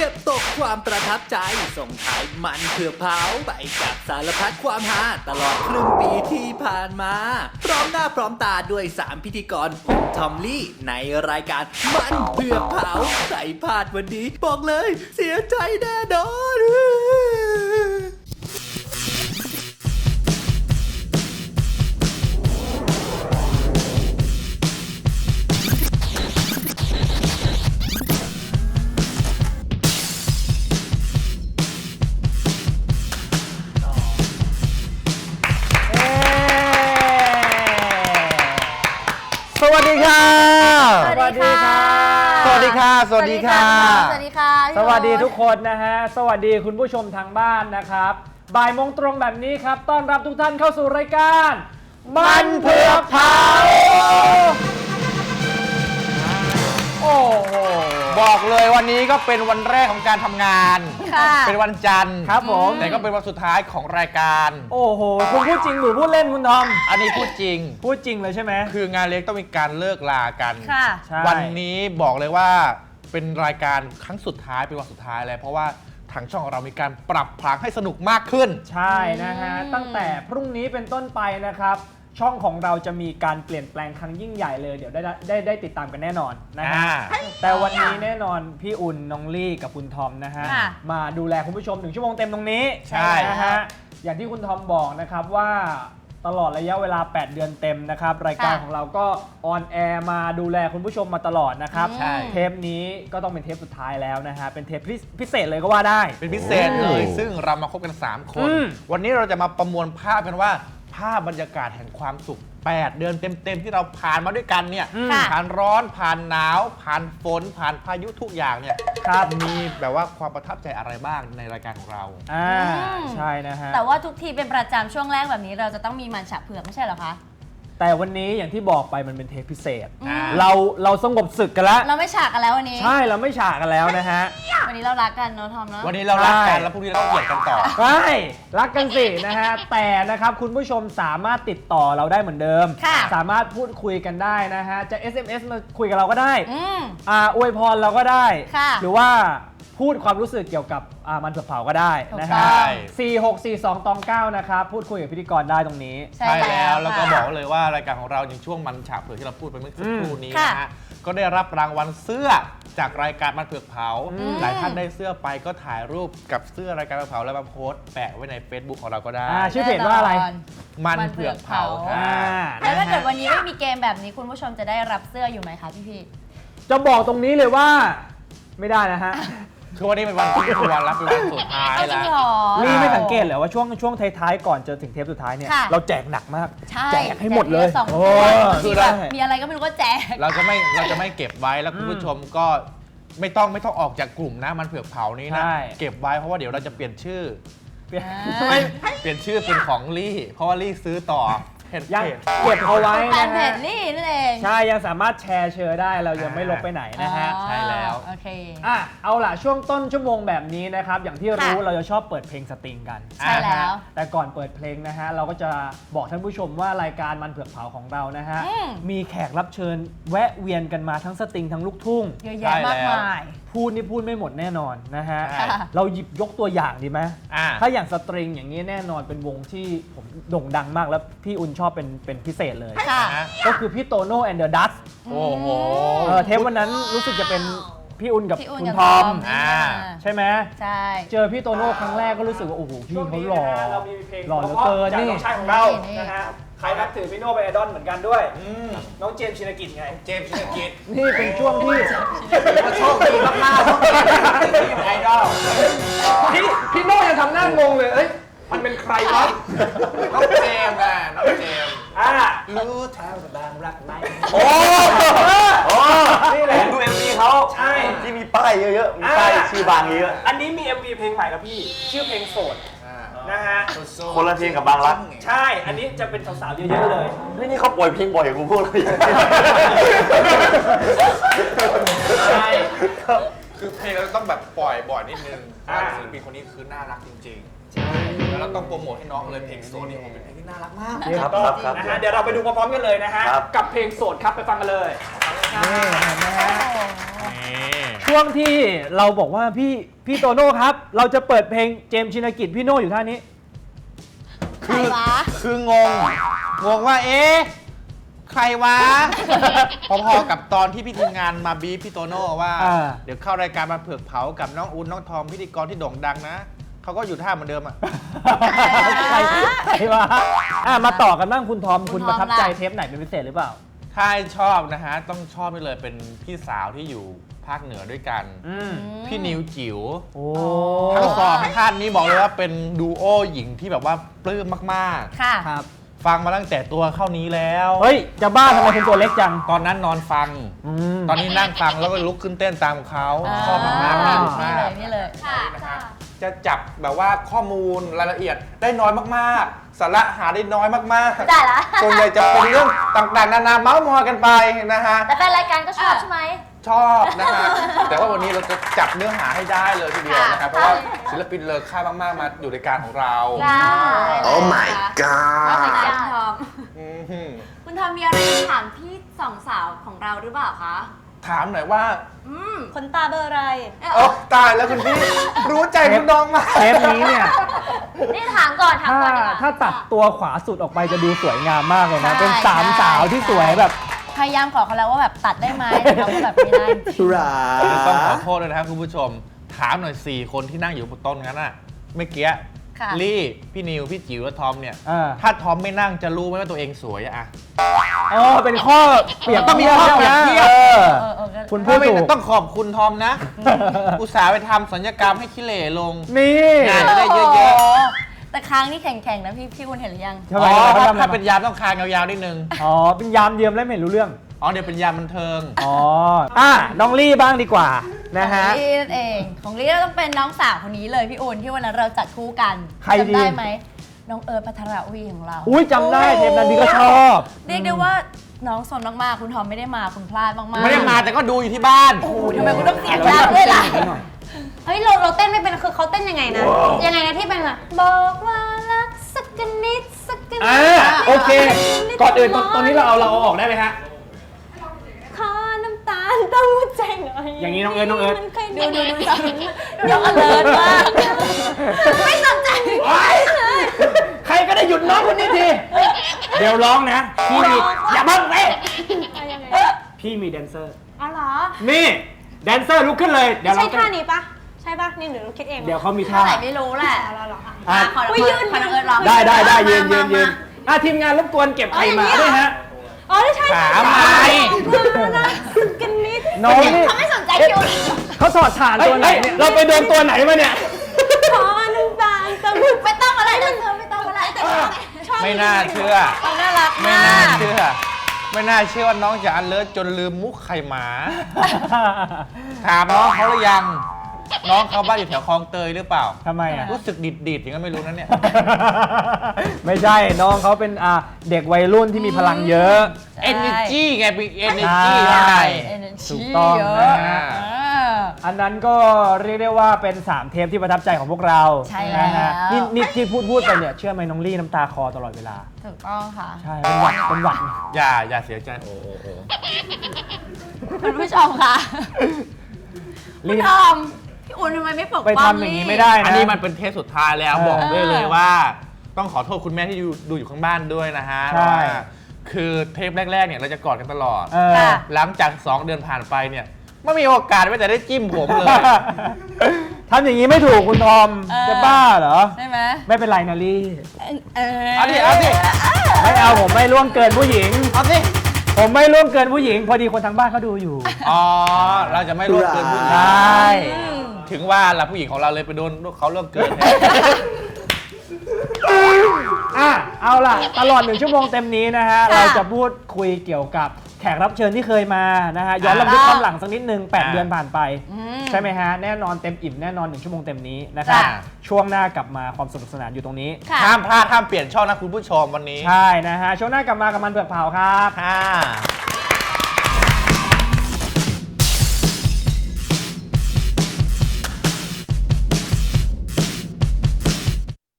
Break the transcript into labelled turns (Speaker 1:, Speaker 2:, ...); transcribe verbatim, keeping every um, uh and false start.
Speaker 1: ก็บตกความประทับใจส่งท้ายมันเผื่อเผาไปกับสารพัดความฮาตลอดครึ่งปีที่ผ่านมาพร้อมหน้าพร้อมตาด้วยสามพิธีกรผมทอมลี่ในรายการมันเผื่อเผาใครพลาดวันนี้บอกเลยเสียใจแน่นอน
Speaker 2: สวัสดีค่ะ
Speaker 3: สวัสดีค่ะ
Speaker 2: สวัสดีค่ะ สวัสดีค่ะ
Speaker 3: สวัสดีค่ะ
Speaker 4: สวัสดีทุกคนนะฮะ สวัสดีคุณผู้ชมทางบ้านนะครับบ่ายโมงตรงแบบนี้ครับต้อนรับทุกท่านเข้าสู่รายการมันเผือกเผาโอ้โห
Speaker 2: บอกเลยวันนี้ก็เป็นวันแรกของการทำงาน
Speaker 3: ค่ะ
Speaker 2: เป็นวันจันทร์
Speaker 4: ครับผม
Speaker 2: แต่ก็เป็นวันสุดท้ายของรายการ
Speaker 4: โอ้โหคุณพูดจริงหรือพูดเล่นคุณทอม
Speaker 2: อันนี้พูดจริง
Speaker 4: พูดจริงเลยใช่ไหม
Speaker 2: คืองานเล็กต้องมีการเลิกลากัน
Speaker 3: ค่ะ
Speaker 4: ใช่
Speaker 2: วันนี้บอกเลยว่าเป็นรายการครั้งสุดท้ายเป็นวันสุดท้ายแล้วเพราะว่าทางช่องของเรามีการปรับพลังให้สนุกมากขึ้น
Speaker 4: ใช่นะฮะตั้งแต่พรุ่งนี้เป็นต้นไปนะครับช่องของเราจะมีการเปลี่ยนแปลงครั้งยิ่งใหญ่เลยเดี๋ยวได้ได้ได้ติดตามกันแน่นอนนะฮะ
Speaker 2: อ่า
Speaker 4: แต่วันนี้แน่นอนพี่อุ่นน้องลี่กับคุณทอมนะฮะ
Speaker 3: ค่ะ
Speaker 4: มาดูแลคุณผู้ชมหนึ่งชั่วโมงเต็มตรงนี้
Speaker 2: ใช่
Speaker 4: นะฮะอย่างที่คุณทอมบอกนะครับว่าตลอดระยะเวลาแปดเดือนเต็มนะครับรายการ
Speaker 3: ค่ะ
Speaker 4: ของเราก็ออนแอร์มาดูแลคุณผู้ชมมาตลอดนะครับ
Speaker 3: ใช่
Speaker 4: เทปนี้ก็ต้องเป็นเทปสุดท้ายแล้วนะฮะเป็นเทปพิพิเศษเลยก็ว่าได้
Speaker 2: เป็นพิเศษเลย ซึ่งเรามาคบกัน สาม คน
Speaker 4: อืม
Speaker 2: วันนี้เราจะมาประมวลภาพกันว่า ภาพบรรยากาศแห่งความสุข แปด เดือนเต็มๆ ที่เราผ่านมาด้วยกันเนี่ย
Speaker 3: ค่ะ
Speaker 2: ผ่านร้อน ผ่านหนาว ผ่านฝน ผ่านพายุทุกอย่างเนี่ย
Speaker 4: ครับ
Speaker 2: มีแบบว่าความประทับใจอะไรบ้างในรายการของเรา
Speaker 4: อ่า
Speaker 3: อืม
Speaker 4: ใช่นะฮะ
Speaker 3: แต่ว่าทุกทีเป็นประจำช่วงแรกแบบนี้เราจะต้องมีมันฉะเผือกไม่ใช่เหรอคะ
Speaker 4: แต่วันนี้อย่างที่บอกไปมันเป็นเทปพิเศษ
Speaker 2: อ่า
Speaker 4: เราเราสงบศึกกันแล้ว
Speaker 3: เราไม่ฉากกันแล้ววันนี้
Speaker 4: ใช่เราไม่ฉากกันแล้วนะฮะ
Speaker 3: วันนี้เรารักกันเนาะทอมเนาะ
Speaker 2: วันนี้เรารักกัน
Speaker 4: ใช่
Speaker 2: แล้วพรุ่งนี้เราต้องเกลียดกันต่อ
Speaker 4: ใช่รักกันสินะฮะ แต่นะครับคุณผู้ชมสามารถติดต่อเราได้เหมือนเดิม
Speaker 3: ค่ะ
Speaker 4: สามารถพูดคุยกันได้นะฮะ จะ เอส เอ็ม เอส มาคุยกับเราก็ได้
Speaker 3: อืม
Speaker 4: อ่าอวยพรเราก็ได้
Speaker 3: ค่ะ
Speaker 4: หรือว่าพูดความรู้สึกเกี่ยวกับอ่ามันเผือกเผาก็ได้นะ
Speaker 3: ถูกต้
Speaker 4: ฮะ
Speaker 3: อง
Speaker 4: สี่หกสี่สองตองเก้านะครับพูดคุยกับพิธีกรได้ตรงนี้
Speaker 3: ใช่
Speaker 2: ใช่แล้ว
Speaker 3: ค่ะ
Speaker 2: แล้วก็บอกเลยว่ารายการของเราในช่วงมันฉาบเผือกที่เราพูดไปเมื่อสักครู่นี้
Speaker 3: ค่ะ
Speaker 2: นะฮะก็ได้รับรางวัลเสื้อจากรายการมันเผือกเผา
Speaker 4: อืม
Speaker 2: หลายท่านได้เสื้อไปก็ถ่ายรูปกับเสื้อรายการมันเผือกเผาแล้วมาโพสต์แปะไว้ใน Facebook ของเราก็ได้
Speaker 4: อ่าชื่อเพจว่าอะไร
Speaker 2: มันเผือกเผา
Speaker 4: อ่า
Speaker 2: ค่ะ
Speaker 3: แล้วถ้าเกิดวันนี้ไม่มีเกมแบบนี้คุณผู้ชมจะได้รับเสื้ออยู่ไหมคะพี่พี่
Speaker 4: จะบอกตรงนี้เลยว่าไม่ได้นะฮะ
Speaker 2: คือวันนี้เป็นวันที่ควรรับเป็นวันสุดท้าย
Speaker 3: เอาจริ
Speaker 2: แล้
Speaker 3: ง
Speaker 2: ว
Speaker 3: เหรอ
Speaker 4: นี่ไม่สังเกตเหรอว่าช่วงช่วงท้ายๆก่อนจะถึงเทปสุดท้ายเนี่ย
Speaker 3: ค่ะ
Speaker 4: เราแจกหนักมาก
Speaker 3: ใช่
Speaker 4: แจกให้หมดเลย
Speaker 3: แจกทีละสอง
Speaker 4: โอ้
Speaker 3: ตัว
Speaker 4: คือได้
Speaker 3: มีอะไรก็ไม่รู้ก็แจก
Speaker 2: เราจะไม่เราจะไม่เก็บไว้แล้วคุณผู้ชมก็ไม่ต้องไม่ต้องออกจากกลุ่มนะมันเผือกเผานี้นะ
Speaker 4: ใช่
Speaker 2: เก็บไว้เพราะว่าเดี๋ยวเราจะเปลี่ยนชื่อ
Speaker 4: เปลี่ยน
Speaker 3: อ่า
Speaker 4: ไม่
Speaker 2: เปลี่ยนชื่อเป็นของลี่เพราะว่าลี่ซื้อต่อเพจ
Speaker 4: ยัง
Speaker 2: เพจ
Speaker 4: เก็บเอาไว้
Speaker 3: แฟ
Speaker 4: นะ
Speaker 3: นเพ
Speaker 4: ฮะ
Speaker 3: จนี่นั่นเอง
Speaker 4: ใช่ยังสามารถแชร์เชอร์ได้เรายังไม่ลบไปไหนนะฮะ
Speaker 3: อ๋อ
Speaker 2: ใช่แล้ว
Speaker 3: โอเค
Speaker 4: อ่ะเอาล่ะช่วงต้นชั่วโมงแบบนี้นะครับอย่างที่รู้
Speaker 3: ค่ะ
Speaker 4: เราจะชอบเปิดเพลงสตริงกัน
Speaker 3: ใช่แล้ว
Speaker 4: นะฮะแต่ก่อนเปิดเพลงนะฮะเราก็จะบอกท่านผู้ชมว่ารายการมันเผือกเผาของเรานะฮะ
Speaker 3: อืม
Speaker 4: มีแขกรับเชิญแวะเวียนกันมาทั้งสตริงทั้งลูกทุ่ง
Speaker 3: เยอะแยะมากมาย
Speaker 4: พูดนี่พูดไม่หมดแน่นอนนะฮะ
Speaker 2: ใช่
Speaker 4: เราหยิบยกตัวอย่างดีไหม
Speaker 2: อ่า
Speaker 4: ถ้าอย่างสตริงอย่างนี้แน่นอนเป็นวงที่ผมโด่งดังมากแล้วพี่อุ่นชอบเป็นเป็นพิเศษเลย
Speaker 3: ค่ะ
Speaker 2: นะ
Speaker 4: ก็คือพี่โตโน่แอนเดอร์ดัส
Speaker 2: โอ้โห
Speaker 4: เออเทปวันนั้นรู้สึกจะเป็นพี่อุ่นกับ
Speaker 3: พี่อุ่น
Speaker 4: คุณ
Speaker 3: กับ
Speaker 4: ทอม
Speaker 3: ทอม
Speaker 2: อ่า
Speaker 4: ใช่ไหม
Speaker 3: ใช่
Speaker 4: เจอพี่โตโน่ครั้งแรกก็รู้สึกว่าโอ้โหพี่เขาหล่อ
Speaker 5: เรามีเพลง
Speaker 4: หล่อเหลือเกิน
Speaker 5: จาก
Speaker 4: นี่
Speaker 5: น้องชายของเรา
Speaker 3: นี่
Speaker 5: นะฮะใครนับถือพี่โน่เป็นไอดอลเหมือนกันด้วย
Speaker 2: อืม
Speaker 5: น้องเจมส์ชินกิจไง
Speaker 2: เจมส์ชินกิจ
Speaker 4: นี่เป็นช่วงที่
Speaker 2: ว่าโชคดีมากๆที่เป็นไอดอล
Speaker 5: พี่พี่โน่ยังทำหน้างงเลย เอ้ย มันเป็นใครวะ
Speaker 2: น้องเจมส์อ่ะน้องเจมส์
Speaker 5: อ่า
Speaker 2: รู้เท่าบางรักไหม
Speaker 5: โอ้โอ้นี่แหละ
Speaker 6: ผมดู เอ็ม วี เขา
Speaker 5: ใช่
Speaker 6: ที่มีป้ายเยอะๆ มีป้าย
Speaker 5: อ่า
Speaker 6: ชื่อบางเยอะ
Speaker 5: อันนี้มี เอ็ม วี เพลงใหม่แล้วพี่ ชื่อเพลงโสดนะฮะ
Speaker 6: คนละเพลงกับบางรัก
Speaker 5: ใช่ อันนี้จะเป็นสาวๆเยอะๆเลย
Speaker 6: นี่นี่เขาปล่อยเพลงบ่อยกว่าพวกเราอีก
Speaker 5: ใช่
Speaker 2: คือเพลงเราต้องแบบปล่อยบ่อยนิดนึงเพ
Speaker 5: อ่า
Speaker 2: ราะศิลปินคนนี้คือน่ารักจริงๆแล้วเราต้องโปรโมทให้น้องเลยเพลงโซนนี่ผมเป็นเพลงที่น่ารักมาก
Speaker 6: ครับครับครับ
Speaker 5: นะฮะ เดี๋ยวเราไปดูพร้อมๆกันเลยนะฮะ
Speaker 6: ครับ
Speaker 5: กับเพลงโสดครับ ไปฟังกันเลย
Speaker 2: ค
Speaker 4: นี่เห็นไหมฮะ
Speaker 2: นี่
Speaker 4: ช่วงที่เราบอกว่าพี่พี่โตโน่ครับ เราจะเปิดเพลงเจมส์ชินกิจพี่โน่อยู่ท่านี้
Speaker 3: ใครวะ
Speaker 2: คืองง งงว่าเอ๊ะใครวะ พอๆกับตอนที่พี่ทีมงานมาบีบพี่โตโน่ว่า
Speaker 4: อ่า
Speaker 2: เดี๋ยวเข้ารายการมาเผือกเผากับน้องอูนน้องทอมพิธีกรที่โด่งดังนะเขาก็อยู่ท่าเหมือนเดิมอ่ะ
Speaker 4: ใครใครวะอ่ะมาต่อกันบ้างคุณทอม
Speaker 3: คุ
Speaker 4: คุณ
Speaker 3: ณทอม
Speaker 4: ประทับใจ
Speaker 3: ล่ะ
Speaker 4: เทปไหนเป็นพิเศษหรือเปล่า
Speaker 2: ถ้าชอบนะฮะ ต้องชอบไปเลยเป็นพี่สาวที่อยู่ภาคเหนือด้วยกัน
Speaker 4: อืม
Speaker 2: พี่นิวจิ๋ว
Speaker 4: โอ้
Speaker 2: ทั้งสองท่านนี้บอกเลยว่าเป็นดูโอหญิงที่แบบว่าปลื้มมาก
Speaker 3: ค่ะ
Speaker 4: ครับ
Speaker 2: ๆ ฟังมาตั้งแต่ตัวเข้านี้แล้ว
Speaker 4: เฮ้ย จะบ้าทำไมคุณตัวเล็กจัง
Speaker 2: ตอนนั้นนอนฟัง
Speaker 4: อืม
Speaker 2: ตอนนี้นั่งฟังแล้วก็ลุกขึ้นเต้นตามเขาชอบมากๆ
Speaker 4: อ่า
Speaker 2: สนุก
Speaker 3: นี่
Speaker 2: มา
Speaker 3: เล
Speaker 2: ก
Speaker 3: ยนี่เลย
Speaker 2: นะครับจะจับแบบว่าข้อมูลรายละเอียดได้น้อยมากๆ สาระหาได้น้อยมาก
Speaker 3: ได้ละ
Speaker 2: ๆ ส่วนใหญ่จะเป็นเรื่องต่างๆ นานาเมาส์มอยกันไปนะฮะ
Speaker 3: แต่แฟนรายการก็ชอบใช่ไหม
Speaker 2: ชอบนะฮะ แต่ว่าวันนี้เราจะจับเนื้อหาให้ได้เลยทีเดียวนะครับ เพราะว่าศิลปินเลอค่ามากๆ มาอยู่ในการของเรา
Speaker 3: โอ้ my
Speaker 6: god
Speaker 3: ว่าไงคุณทอม
Speaker 2: อือหือ
Speaker 3: คุณทอมมีอะไรจะถามพี่สองสาวของเราหรือเปล่าคะ
Speaker 2: ถามหน่อยว่า
Speaker 3: อืมคนตาเบอร์อะไร
Speaker 2: เออตายแล้วคุณพี่ รู้ใจคุณน้องมาก
Speaker 4: เทปนี้เนี่ย
Speaker 3: นี่ถามก่อนถาม
Speaker 4: ถ้า
Speaker 3: ก่อนดีกว่า
Speaker 4: ถ้าตัดตัวขวาสุดออกไปจะดูสวยงามมากเลยนะ
Speaker 3: ใช่
Speaker 4: เป็นสาม
Speaker 3: ใช่
Speaker 4: สาวที่สวยแบบ
Speaker 3: พยายามขอเขาแล้วว่าแบบตัดได้ไหมแต่เขาก็แบบไม่ได้จริง
Speaker 2: ต้องขอโทษเลยนะครับคุณผู้ชม ถามหน่อย สี่ คนที่นั่งอยู่บนโต๊ะนั้นน่ะเมื่อกี้
Speaker 3: ค่ะ
Speaker 2: ลี่ พี่นิว พี่จิ๋วและทอมเนี่ย
Speaker 4: เออ
Speaker 2: ถ้าทอมไม่นั่งจะรู้ไหมว่าตัวเองสวยอะ
Speaker 4: อ๋อเป็นข้อเปรียบ
Speaker 2: ต้องมีข้อเปรียบเทียบ
Speaker 4: เออ
Speaker 3: เออเออก็
Speaker 4: คุณพูด
Speaker 2: ไม่
Speaker 4: ถูก
Speaker 2: ต้องขอบคุณทอมนะ อุตส่าห์ไปทำสัญญกรรมให้ขี้เหร่ลง
Speaker 4: นี่
Speaker 2: งานจะได้เยอะ
Speaker 3: โโหแต่ค้างนี่แข็งๆนะพี่พี่คุณเห็นหรือยัง
Speaker 4: ทำไม
Speaker 2: อ๋อ
Speaker 4: เขา
Speaker 2: ถ้า
Speaker 4: ทำอะไร
Speaker 2: ถ้าเป็น
Speaker 4: มา
Speaker 2: ยามต้องคางยาวๆนิดนึง
Speaker 4: อ๋อเป็นยามเยียมแล้วไม่เห็นรู้เรื่อง
Speaker 2: อ๋อเดี๋ยวเป็นยามบันเทิง
Speaker 4: อ๋ออ่ะน้องลี่บ้างดีกว่านะฮะ
Speaker 3: ของลี่นั่นเองของลี่ต้องเป็นน้องสาวคนนี้เลยพี่อุ่นที่วันนั้นเราจัดคู่กัน
Speaker 4: ใครดี
Speaker 3: จำได้ไหมน้องเอิร์ธพัทรวีของเรา
Speaker 4: อุ้ยจำได้เทปนั้นพี่ก็ชอบ
Speaker 3: เรียกได้ว่าน้องสนมากๆคุณทอมไม่ได้มาคุณพลาดมากๆ
Speaker 2: ไม่ได้มาแต่ก็ดูอยู่ที่บ้าน
Speaker 3: โอ้โหทำไมคุณต้องเสียงดังด้วยล่ะ
Speaker 7: เฮ้ยเราเราเต้นไม่เป็นคือเขาเต้นยังไงนะ ยังไงนะที่เป็นแบบบอกว่ารักสักกันนิดสักกันนิ
Speaker 4: อ่า
Speaker 7: ด
Speaker 4: โอเค ก่อนอื่นตอนตอนนี้เราเอาเราเอาออกได้ไหมฮะ
Speaker 7: ขอน้ำตาลเต้าหู้ใจหน่อย
Speaker 4: อย่างนี้น้องเอิร์ธน้องเอิร์ธ
Speaker 7: มันเคย
Speaker 3: ดูดูดูน้องอเลิร์มาก
Speaker 7: ไม่สนใจ
Speaker 4: ใครก็ได้หยุดน้องคนนี้ที เดี๋ยวร้องนะ พี่มีอย่าเพิ่งเว้ยพี่มีแดนเซอร์
Speaker 7: อ๋อเหรอ
Speaker 4: นี่แดนเซอร์ลุกขึ้นเลย เดี๋ยว
Speaker 7: ใช่
Speaker 4: เรา
Speaker 7: ท่านี้ปะใช่ปะนี่หนูคิดเองหรอ
Speaker 4: เดี๋ยวเขามี
Speaker 3: เท่า
Speaker 4: ท่า
Speaker 3: ไหร่ไม่รู้แหละ
Speaker 7: อ๋อเหรอเหรอ
Speaker 4: อ่ะ
Speaker 3: ขอน้อง
Speaker 7: อุ๊ยยืน
Speaker 3: ขอน้องเอิร์ธร้อง
Speaker 4: ได้ได้ได้ยืนยืน
Speaker 3: มา
Speaker 4: ยืนอ่ะทีมงานรบกวนเก็บไข่หมาด้วยฮะ
Speaker 7: อ๋อใช่
Speaker 2: ขา
Speaker 7: ใช่
Speaker 2: ไม้
Speaker 7: รักสักกันนิด
Speaker 4: น้องนี่
Speaker 3: เขาไม่สนใจคิว
Speaker 4: เขาถอดฐานตัวไหนเนี่ยเราไปโดนตัวไหนมาเนี่ย
Speaker 7: ขอน้ำตาลเต้าหู้
Speaker 3: ไม่ต้องอะไรนะเธอไม่ต้องอะไรแต่ชอบ
Speaker 2: ไม่น่าเชื่อ
Speaker 3: เขาน่ารัก
Speaker 2: ไม่
Speaker 3: มา
Speaker 2: น่าก เชื่อ ไม่น่าเชื่อว่าน้องจะอันเลิศจนลืมมุกไข่หมา ถามน้องเขาหรือยัง น้องเขาบ้านอยู่แถวคลองเตยหรือเปล่า
Speaker 4: ทำไมอ่ะ
Speaker 2: รู้สึกดิดดิดๆอย่างนั้นไม่รู้นะเนี่ย
Speaker 4: ไม่ใช่น้องเขาเป็นอ่าเด็กวัยรุ่นที่มีพลังเยอะ
Speaker 2: energy ไงเป็น energy
Speaker 4: ใช่
Speaker 2: ข้างใน
Speaker 4: ถูกต้อง
Speaker 3: เย
Speaker 4: นะ
Speaker 3: อะ
Speaker 4: ฮะ
Speaker 3: อ่า
Speaker 4: อันนั้นก็เรียกได้ว่าเป็น สาม เทปที่ประทับใจของพวกเรา
Speaker 3: ใช่แล้ว
Speaker 4: นะฮะนี่นี่ที่พูดพูดไปเนี่ยเชื่อไหมน้องลี่น้ำตาคอตลอดเวลา
Speaker 3: ถูกต้องค่ะ
Speaker 4: ใช่ เป็นหวัดเป็นหวัด
Speaker 2: อย่าอย่าเสียใจโอ้โอ้โอ้
Speaker 3: คุณผู้ชมค่ะ คุณ
Speaker 4: ลี่
Speaker 3: ทอมพี่อุ่นทำไมไม่ปก
Speaker 4: ไป
Speaker 3: ป้อง
Speaker 4: ทำอย่างนี้
Speaker 3: ลี่
Speaker 4: ไม่ได้
Speaker 2: อัน
Speaker 4: นะ
Speaker 2: นี้มันเป็นเทปสุดท้ายแล้ว
Speaker 4: เออ
Speaker 2: บอกได้เลยว่า ต้องขอโทษคุณแม่ที่ดูดูอยู่ข้างบ้านด้วยนะฮะ
Speaker 4: ใช่
Speaker 2: ว่าคือเทปแรกๆเนี่ยเราจะกอดกันตลอด
Speaker 4: เออ
Speaker 3: ค่ะ
Speaker 2: หลังจากสองเดือนผ่านไปเนี่ยไม่มีโอกาสไม่แต่ได้จิ้มผมเลย
Speaker 4: ทำอย่างนี้ไม่ถูกคุณทอม
Speaker 3: เออ
Speaker 4: จะบ้าเหรอ
Speaker 3: ใช่ไหม
Speaker 4: ไม่เป็นไรนะลี่
Speaker 3: เออ
Speaker 2: เอาดิเอาดิ
Speaker 4: ไม่เอาผมไม่ล่วงเกินผู้หญิง
Speaker 2: เอาสิ
Speaker 4: ผมไม่ล่วงเกินผู้หญิง พอดีคนทางบ้านเขาดูอยู่
Speaker 2: อ๋อเราจะไม่ร่วมเกินผู้หญิ
Speaker 4: ใช
Speaker 2: ง่
Speaker 3: อืม
Speaker 2: ถึงว่าละผู้หญิงของเราเลยไปโดนเขาร่วมเกินแทน
Speaker 4: อ่ะเอาล่ะ ตลอดหนึ่งชั่วโมงเต็มนี้นะฮะ
Speaker 3: ค่ะ
Speaker 4: เราจะพูดคุยเกี่ยวกับแขกรับเชิญที่เคยมานะฮะ ย้อนลำลึกความหลังสักนิดนึงแปด
Speaker 2: อ่า
Speaker 4: เดือนผ่านไป
Speaker 3: อืม
Speaker 4: ใช่ไหมฮะ แน่นอนเต็มอิ่มแน่นอนหนึ่งชั่วโมงเต็มนี้นะครับ
Speaker 3: ค่ะ
Speaker 4: ช่วงหน้ากลับมาความสนุกสนานอยู่ตรงนี้
Speaker 3: ค่ะ
Speaker 2: ห้ามพลาดห้ามเปลี่ยนช่องนะคุณผู้ชมวันนี้
Speaker 4: ใช่นะฮะ ช่วงหน้ากลับมากับมันเผือกเผาครับ
Speaker 2: ค่ะ